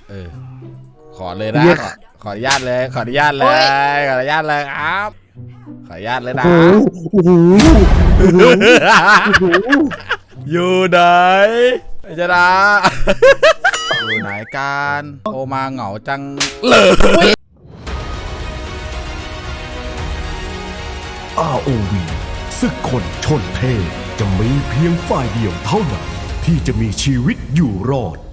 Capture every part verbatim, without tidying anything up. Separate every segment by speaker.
Speaker 1: เออขอเลยนะขอขออนุญาตเลยขออนุญาตเลยขออนุญาตเลยครับขออนุญาตเลยนะอยู่ไหนจะนะอยู่ไหนกันโทรมาเหงาจังเลย
Speaker 2: อาร์ โอ วี ศึกคนชนเทพจะมีเพียงฝ่ายเดียวเท่านั้นที่จะมีชีวิตอยู่รอด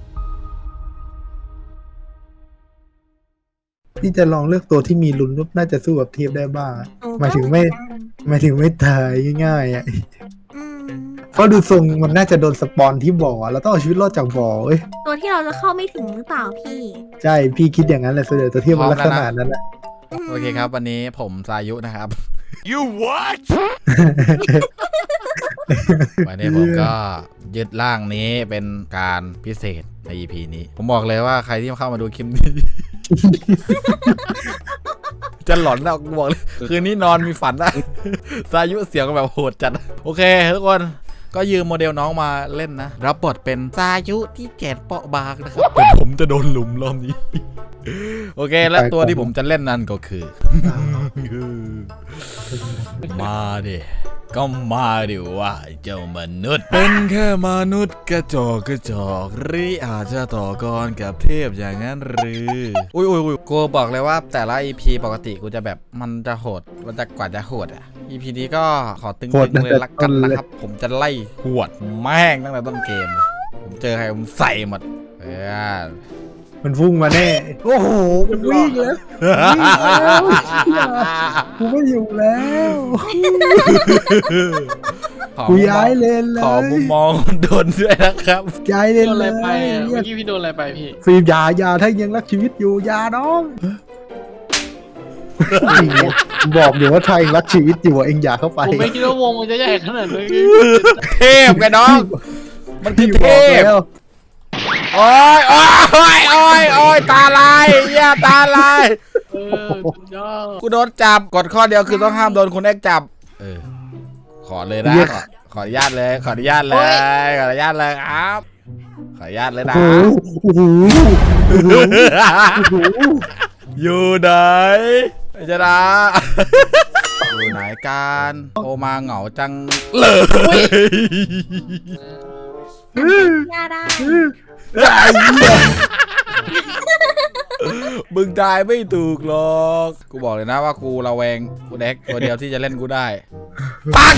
Speaker 3: พี่จะลองเลือกตัวที่มีลุ้นน่าจะสู้กับเทียบได้บ้างหมายถึงไม่หมายถึงไม่ตายง่ายๆอ่ะเพราะดูทรงมันน่าจะโดนสปอนที่บ่อเราต้องเอาชีวิตรอดจากบ่อเอ้ย
Speaker 4: ตัวที่เราจะเข้าไม่ถึงหรือเปล่าพี่
Speaker 3: ใช่พี่คิดอย่างนั้นแหละส่วนใหญ่ตัวเทียบมันลักษณะนั้นแหละ
Speaker 1: โอเคครับวันนี้ผมสายุนะครับ
Speaker 2: You what
Speaker 1: วันนี้ผมก็ยึดร่างนี้เป็นการพิเศษใน อี พี นี้ผมบอกเลยว่าใครที่เข้ามาดูคลิปนี้ จะหลอนแล้วบอกเลยคืนนี้นอนมีฝันนะสายุเสียงแบบโหดจัดโอเคทุกคนก็ยืมโมเดลน้องมาเล่นนะรับบทเป็นสายุที่แก่เปาะบางนะครับแต่ผมจะโดนหลุมรอบนี้ โอเคและตัวที่ผมจะเล่นนั่นก็คือ มาดิก็มาดิว่าเจ้ามนุษย์เป็นแค่มนุษย์กระจอกกระจอกหรืออาจจะต่อกรกับเทพอย่างนั้นหรืออุ้ยอุ้ยอุ้ยกูบอกเลยว่าแต่ละ อี พี ปกติกูจะแบบมันจะโหดมันจะกว่าจะโหดอ่ะ อี พี นี้ก็ขอตึงๆเลยละกันนะครับผมจะไล่หวดแม่งตั้งแต่ต้นเกมผมเจอใครผมใส่หมดเออ
Speaker 3: มันพุ่งมาแน่โอ้โหมันวิ่งแล้วกูไม่อยู่แล้วกูย้ายเลนเลย
Speaker 1: ขอมุมมองโดนด้วยนะครับ
Speaker 3: ย้ายเลนเลย
Speaker 5: เมื่อกี้พี่โดนอะไรไปพี่
Speaker 3: ฟิล์มยายาถ้ายังรักชีวิตอยู่ยาน้องบอกอยู่ว่าถ้าเองรักชีวิตอยู่เองอย่าเข้าไป
Speaker 5: ผมไม่คิดว่าวงมันจะใหญ่ขนาดนี้
Speaker 1: เทพกันน้องมันคือเทพโอ้ยโอ้ยโอ้ยโอ้ยตาลายเหี้ยตาลาย
Speaker 5: เออยอด
Speaker 1: กูโดนจับกดข้อเดียวคือต้องห้ามโดนคุณเอ็กจับเออขอเลยนะขอขออนุญาตเลยขออนุญาตเลยขออนุญาตเลยครับขออนุญาตเลยนะอยู่ไหนจะนะอยู่ไหนกันโทรมาเหงาจังเลย
Speaker 4: ยาได้
Speaker 1: มึงตายไม่ถูกหรอกกูบอกเลยนะว่ากูระแวงกูเด็กตัวเดียวที่จะเล่นกูได้ปัง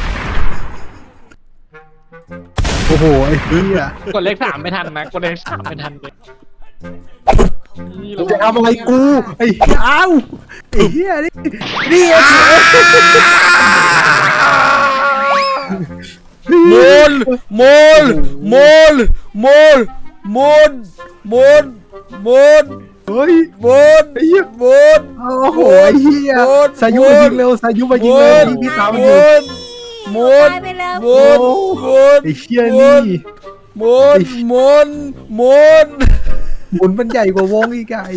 Speaker 3: โอ้โหไอ้เหี้ย
Speaker 5: กดเลขสามไม่ทันนะกดเลขสามไม่ทันเลย
Speaker 3: จะทำอะไรกูไอ้เอ้าไอ้เหี้ยนี่นี่
Speaker 1: มูลมูลมูลมูลมูลมูลมูล
Speaker 3: เฮ้ย
Speaker 1: มูล
Speaker 3: ไอ้เหี้ย
Speaker 1: มูล
Speaker 3: โอ้โหไอ้เหี้ยสายุมายิงเร็วสายุมายิงเร็วที่พี่ตามมันอยู่
Speaker 1: มูลมูลมูล
Speaker 3: ไอ้เหี้ยนี่
Speaker 1: มูลมูลมูล
Speaker 3: หมุนมันใหญ่กว่าวงอีกไก่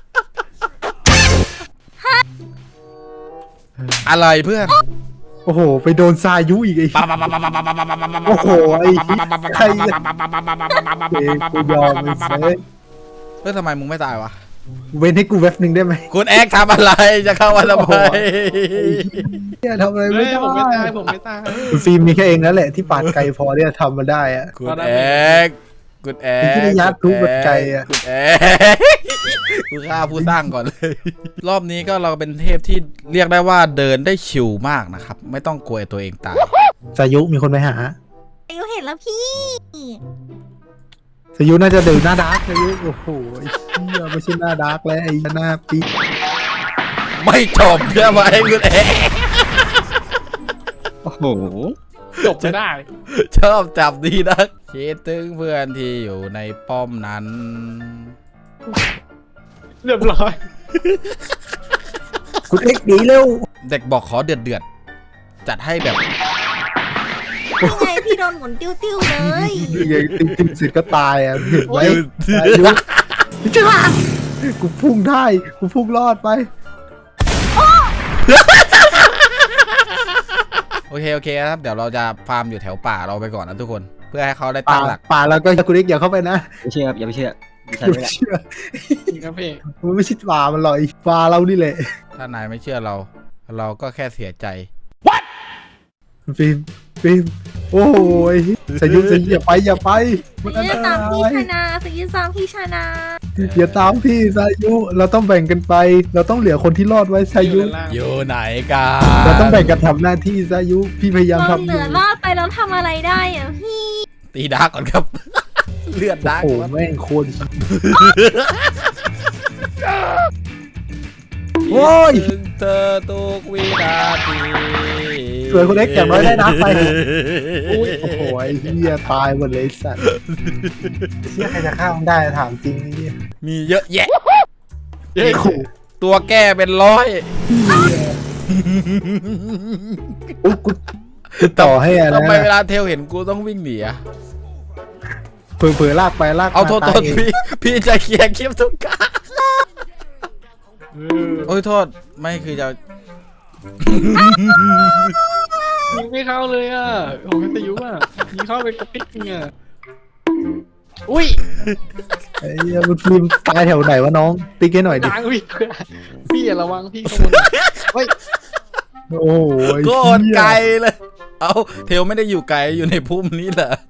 Speaker 1: อะไรเพื่อน
Speaker 3: โอ้โหไปโดนสายุอีกไอ้โอ้โหไอ้ใคร
Speaker 1: เฮ้ยทำไมมึงไม่ตายวะ
Speaker 3: เว้นให้กูเว็บหนึ่งได้ไหม
Speaker 1: คุณแอ๊กทำอะไรจะเข้ามาทำไม
Speaker 3: เนี่ยทำอะไรไม่ได้
Speaker 5: ผมไม่ตายผมไม่ตาย
Speaker 3: คุณฟิล์มมีแค่เองนั่นแหละที่ปาดไกลพอที่จะทำมาได้อะ
Speaker 1: คุณแอ๊กคุณแอ๊ก
Speaker 3: ที่ยัดทุบแบบไกลอะ
Speaker 1: คุณแอ๊กกูฆ่าผู้สร้างก่อนเลยรอบนี้ก็เราเป็นเทพที่เรียกได้ว่าเดินได้ชิวมากนะครับไม่ต้องกลัวตัวเองตาย
Speaker 3: สายุมีคนไปหา
Speaker 4: สายุเห็นแล้วพี่
Speaker 3: สายุน่าจะเดินหน้าดาร์กสายุโอ้โหไอ้เหี้ยไม่ใช่หน้าดาร์กแล้วไอ้หน้าปี
Speaker 1: ไม่จบใช่ไหมคุณแอ๊ก
Speaker 3: โอ้โห
Speaker 5: จบไม่ได้
Speaker 1: ชอบจับดีนักคิดถึงเพื่อนที่อยู่ในป้อมนั้น
Speaker 5: เรียบร้อย
Speaker 3: คุณเอ็กซ์ดีเร็ว
Speaker 1: เด็กบอกขอเดือดเดือดจัดให้แบบ
Speaker 4: ยังไงพี่โดนหมุนติ้วติ้วเลย
Speaker 3: ยังติ้วติ้วเสร็จก็ตายอ่ะเห็นไหมจ้ากูพุ่งได้กูพุ่งรอดไป
Speaker 1: โอเคโอเคครับเดี๋ยวเราจะฟาร์มอยู่แถวป่าเราไปก่อนนะทุกคนเพื่อให้เขาได้ตั้งหลัก
Speaker 3: ป่าแล้วก็คุณเอ็กซ์อย่าเข้าไปนะ
Speaker 6: ไม่เชื่อครับอย่าไปเชื่อฉัน
Speaker 3: ไม่
Speaker 6: นี่แหละ
Speaker 3: เชื่อ
Speaker 5: จริงครับพี่
Speaker 3: มันไม่ใช่ปลามันหรอกไอ้ปลาเรานี่แหละ
Speaker 1: ถ้านายไม่เชื่อเรา เราก็แค่เสียใจ
Speaker 3: ฟิล์มฟิล์มโอ้ยสายุสายุอย่าไปอย่าไปมันอัน
Speaker 4: จะ
Speaker 3: ต
Speaker 4: ตาม
Speaker 3: รา
Speaker 4: พี่
Speaker 3: ย
Speaker 4: ชนะสกิตามพี่ชนะ
Speaker 3: อย่าตามพี่สายุเราต้องแบ่งกันไป เราต้องเหลือคนที่รอดไว้สา
Speaker 5: อยู่
Speaker 3: ยุ
Speaker 5: ด้านล่าง
Speaker 1: อยู่ไหนกัน
Speaker 3: เราต้องแบ่งกันทำหน้าที่สายุพี่พยายาม
Speaker 4: เรา
Speaker 3: ทำ
Speaker 4: เห
Speaker 3: อ
Speaker 4: ลื
Speaker 3: ยู่
Speaker 4: อรอดไปแล้วทำอะไรได้อ่ะพี่
Speaker 1: ตีดาร์กก่อนครับ เลือดดาร์ก
Speaker 3: โอ้
Speaker 1: ก่อน
Speaker 3: แม่งโคตรโอ้ย
Speaker 1: ถึงเธอทุกวินาที
Speaker 3: สวยคนเล็กอย่างน้อยได้นับไปอุ้ยโอ้โหไอ้เหี้ยตายหมดเลยไอ้สัตว์เชี่ยใครจะฆ่ามันได้ถามจริงไอ้เนี่ย
Speaker 1: มีเยอะแยะ
Speaker 5: เย้
Speaker 3: ขู่
Speaker 1: ตัวแก้เป็นร้อย
Speaker 3: อุ๊ยกูกูต่อให้อะไร
Speaker 1: ทำไมเว
Speaker 3: นะ
Speaker 1: ลาเทลเห็นกูต้องวิ่งหนีอะ
Speaker 3: เผลอเผลอลากไปลาก
Speaker 1: เอา
Speaker 3: มา
Speaker 1: โทษโท
Speaker 3: ตาย
Speaker 1: ษ
Speaker 3: เอง
Speaker 1: พี่พี่จะเคลียร์คลิปทุกการโอ้ยโทษไม่คือจะ
Speaker 5: ยิงไม่เข้าเลยอ่ะผมเป็นตะยุอ่ะยิงเข้าไปกระติ๊กเนี่ยอุ้ย
Speaker 3: ไอ้เหี้ยมันฟิล์มตายแถวไหนวะน้องติ๊กให้หน่อยดิ
Speaker 5: ดังพี่พี่อย่าระวังพี่ขโมยเฮ้ย
Speaker 3: โอ้โหไอ้
Speaker 1: โค
Speaker 3: เหี้ย
Speaker 1: ตรไกลเลย เอาเทลไม่ได้อยู่ไกลอยู่ในพุ่มนี้เหรอ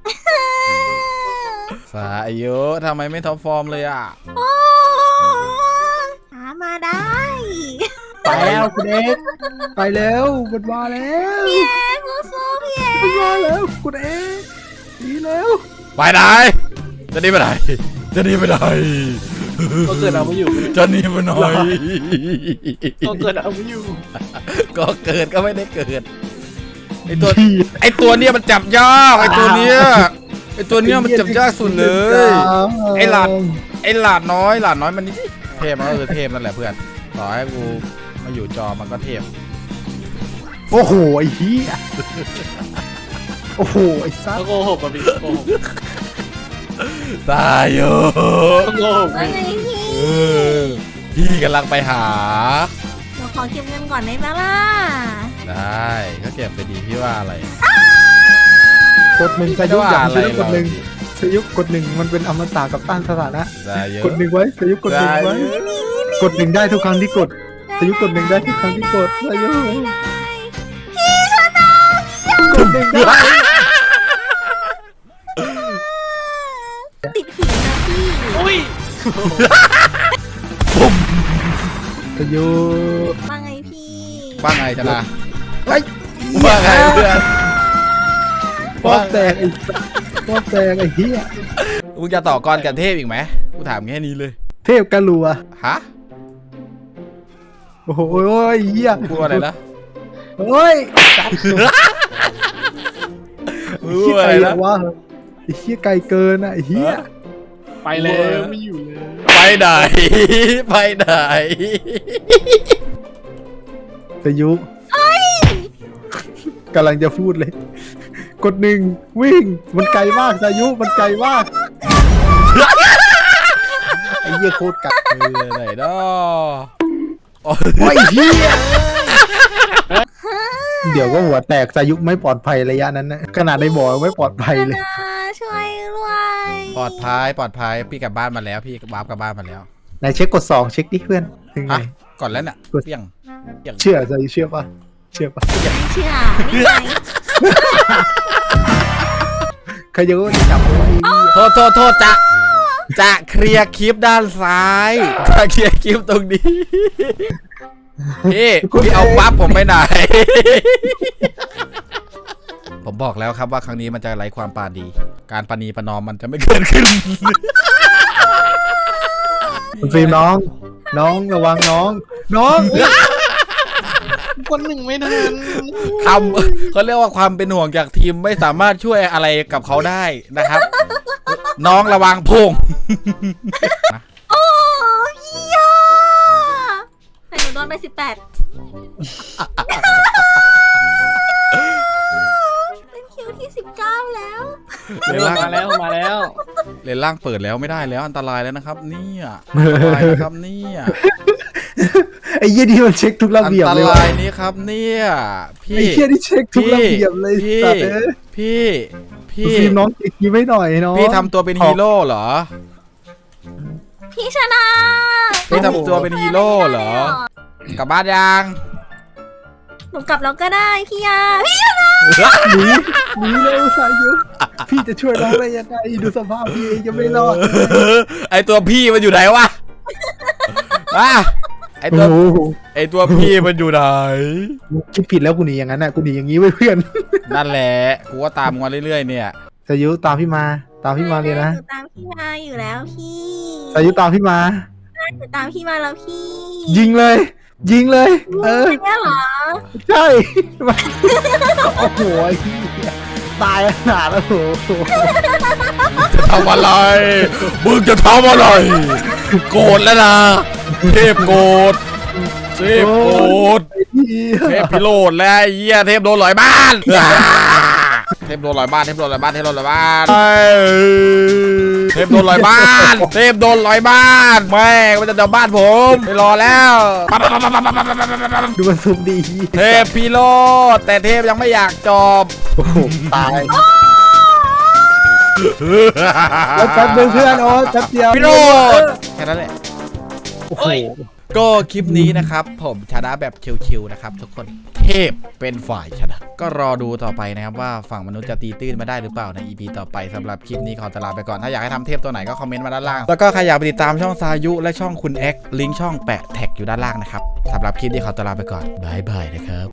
Speaker 1: สายโยทำไมไม่ท็อปฟอร์มเลยอ่ะ
Speaker 4: โอ้หามาได้
Speaker 3: ไปแล้วคุณเอ็กซ์ไปแล้วมันมาแล้ว
Speaker 4: พี่เอ็กซ์สู้ๆพี่เอ็ก
Speaker 3: มัน
Speaker 4: ซ์
Speaker 3: มาแล้วคุณเอ็กซ์หนีแล้ว
Speaker 1: ไปไหนจะหนีไปไหนจะหนีไปไหน
Speaker 5: ก็เกิดเอาไม่อยู่
Speaker 1: จะหนีไปไหน
Speaker 5: ก็เกิดเอาไม่อยู่
Speaker 1: ก็เกิดก็ไม่ได้เกิดไอตัว
Speaker 3: พี่
Speaker 1: ไอตัวเนี้ยมันจับยากไอตัวเนี้ยไอตัวเนี้ยมันจับยากสุดเลย ไอ้หลาด ไอหลาดน้อยหลาดน้อยมันนี่เทพมันก็คือเทพนั่นแหละเพื่อนต่อให้กูมาอยู่จอมันก็เทพ
Speaker 3: โอ้โหไอ้เหี้ยโอ้โหไอ้ซัด
Speaker 5: ก็โกหกอ่ะพี่โกหก
Speaker 1: ตายโย
Speaker 5: ก็โกหก
Speaker 4: ว่า
Speaker 5: พี่
Speaker 4: ไงพี่
Speaker 1: เออพี่กำลังไปหา
Speaker 4: เดี๋ยวขอเก็บเงินก่อนได้ไหมล่ะ
Speaker 1: ได้ก็เก็บไปดีพี่ว่าอะไร
Speaker 3: กดหนึ่งสายุ
Speaker 1: ไม่
Speaker 3: อย่า
Speaker 1: ว่าอะไร
Speaker 3: สายุกดหนึ่งสายุกดหนึ่งมันเป็นอมตะกับต้านสถานะ
Speaker 1: ได้เยอะ
Speaker 3: กดหนึ่งไว้สายุกดหนึ่งไว้กดหนึ่งได้ทุกครั้งที่กดสายุกดหนึ่งได้ทุกครั้งที่กดสายุ
Speaker 4: พี่ชนะ
Speaker 3: กดหนึ่งได้
Speaker 4: ติดผีนะพี่
Speaker 5: อุ้ย
Speaker 3: สายุ
Speaker 4: ว่าไงพี่
Speaker 1: ว่าไงจะนะ
Speaker 3: ไอ้ย
Speaker 1: ว่าไงเพื่อน
Speaker 3: ป้อมแตกไอ้ป้อมแตกไอ้เหี้ย
Speaker 1: มึงจะต่อกรกับเทพอีกไหมกูถามแค่นี้เลย
Speaker 3: เทพกะลัว
Speaker 1: ฮะ
Speaker 3: โอ้โหโอ้ยเหี้ย
Speaker 1: พูดว่าอะไรนะ
Speaker 3: โอ้ย
Speaker 1: พู
Speaker 3: เหี้
Speaker 1: ด
Speaker 3: ย
Speaker 1: ว่า
Speaker 3: ไก
Speaker 1: อะ
Speaker 3: ล
Speaker 1: ไรนะ
Speaker 3: วะไอ้เหี้ยไกลเกินอ่ะไอ้เหี้ย
Speaker 5: ไปแล้วไม่อยู่เลย
Speaker 1: ไปไหนไปไหน
Speaker 3: สายุกำลังจะพูดเลย กดหนึ่งวิ่งมันไกลมากสายุมันไกลมากไอ้เหี้ยโคตรไกล
Speaker 1: เออไหนเนาะโอ้ย
Speaker 3: โอ้ยเหี้ยเดี๋ยวก็หัวแตกสายุไม่ปลอดภัยระยะนั้นนะขนาดในบ่อไม่ปลอดภัยเลย
Speaker 4: นะช่วยด้วย
Speaker 1: ปลอดภัยปลอดภัยพี่กลับบ้านมาแล้วพี่วาร์ปกลับบ้านมาแล้ว
Speaker 3: ไหนเช็คกดสองเช็คดิเพื่อนถึงไง
Speaker 1: ฮะก่อนแล้วเนี่ยเปี้ยงเปี้ยง
Speaker 3: เชื่อสายุเชื่อปะเชื่อปะ
Speaker 4: ไม่เชื่อนี่ไง
Speaker 3: ใครจะก็จับเอาไว้
Speaker 1: โทษโทษโทษจะจะเคลียร์คลิปด้านซ้ายจะเคลียร์คลิปตรงนี้พี่พี่เอาปั๊บผมไปไหน ผมบอกแล้วครับว่าครั้งนี้มันจะไร้ความปราณี การปราณีประนอมมันจะไม่เกิดขึ้น
Speaker 3: คุณฟิล์มน้อง น้องระวังน้อง น้อง
Speaker 5: คนหนึ่งไม่ทัน
Speaker 1: คำเขาเรียกว่าความเป็นห่วงจากทีมไม่สามารถช่วยอะไรกับเขาได้นะครับ น้องระวังพุ่ง
Speaker 4: โอ้พี่ยาแต่หนูโดนไปสิบแปดเป็นคิวที่สิบเก้าแล้ว
Speaker 1: เลนล่าง
Speaker 5: มาแล้วมาแล้ว
Speaker 1: เลนล่างเปิดแล้วไม่ได้แล้วอันตรายแล้วนะครับเนี่ยอันตรายนะครับเนี่ย
Speaker 3: ไอ้เหี้ยนี่มันเช็คทุกระ
Speaker 1: อัน
Speaker 3: เบียบ
Speaker 1: ต
Speaker 3: เลย
Speaker 1: รา
Speaker 3: ว่ะ
Speaker 1: ยนี้ครับเนี่ยพี่
Speaker 3: ไอ้เหี้ยนี่เช็คทุกระเบียบเลย
Speaker 1: พี่
Speaker 3: สัตว์เอ้ย
Speaker 1: พี่
Speaker 3: คุณ
Speaker 1: พี่
Speaker 3: ฟิล์มน้องอีกทีไม่หน่อยน้อง
Speaker 1: พี่ทำตัวเป็นฮีโร่เหรอ
Speaker 4: พี่ชนะ
Speaker 1: พี่ทำตัวเป็นฮีโร่เหรอ กลับบ้านยัง
Speaker 4: หนูกลับแล้วก็ได้พี่ยาพี่
Speaker 3: หนีหนีเร็วสายุพี่จะช่วยน้องได้ยังไงดูสภาพพี่เองยังไม่รอด
Speaker 1: ไอตัวพี่มันอยู่ไหนวะอ่ะไอตัว
Speaker 3: โอ้โห
Speaker 1: ไอตัวพี่มันอยู่ไหน
Speaker 3: คิดผิดแล้วกูหนีอย่างนั้นน่ะกูหนีอย่างนี้ไว้เพื่อน
Speaker 1: นั่นแหละกูก็ตามมาเรื่อยๆเนี่ย
Speaker 3: สายุตามพี่มาตามพี่มาเลยนะ
Speaker 4: หนูตามพี่มาอยู่แล้วพี่
Speaker 3: สายุตามพี่มา
Speaker 4: หนูตามพี่มาแล้วพี่
Speaker 3: ยิงเลย ยิงเลย เออ
Speaker 4: แค่เหรอ
Speaker 3: ใช่ โอ้โหไอ้เหี้ยตายขนาดแล้วโอ้โห
Speaker 1: จะทำอะไร มึงจะทำอะไร โกรธแล้วนะ เทพโกรธเทพโกรธเทพพิโรธแล้วไอ้เหี้ยเทพโดนหลอยบ้านอ่าเทพโดนหลอยบ้าน เทพโดนหลอยบ้าน เทพโดนหลอยบ้านเทพโดนหลอยบ้าน เทพโดนหลอยบ้านแม่งมันจะเดาบ้านผมไม่รอแล้ว
Speaker 3: ดูมันซุ่มดี
Speaker 1: เทพพิโรธแต่เทพยังไม่อยากจบ
Speaker 3: โอ้โหตายแล้วแป๊บนึงเพื่อนโอ๊ตแป๊บเดียว
Speaker 1: พิโรธแค่นั้นแหละ
Speaker 3: โอ้โห
Speaker 1: ก็คลิปนี้นะครับผมชนะแบบชิวๆนะครับทุกคนเทพเป็นฝ่ายชนะก็รอดูต่อไปนะครับว่าฝั่งมนุษย์จะตีตื้นมาได้หรือเปล่าใน อี พี ต่อไปสำหรับคลิปนี้ขอตลาไปก่อนถ้าอยากให้ทำเทพตัวไหนก็คอมเมนต์มาด้านล่างแล้วก็ใครอยากไปติดตามช่องซายุและช่องคุณเอ็กลิงก์ช่องแปะแท็กอยู่ด้านล่างนะครับสำหรับคลิปนี้ขอตลาไปก่อนบายบายนะครับ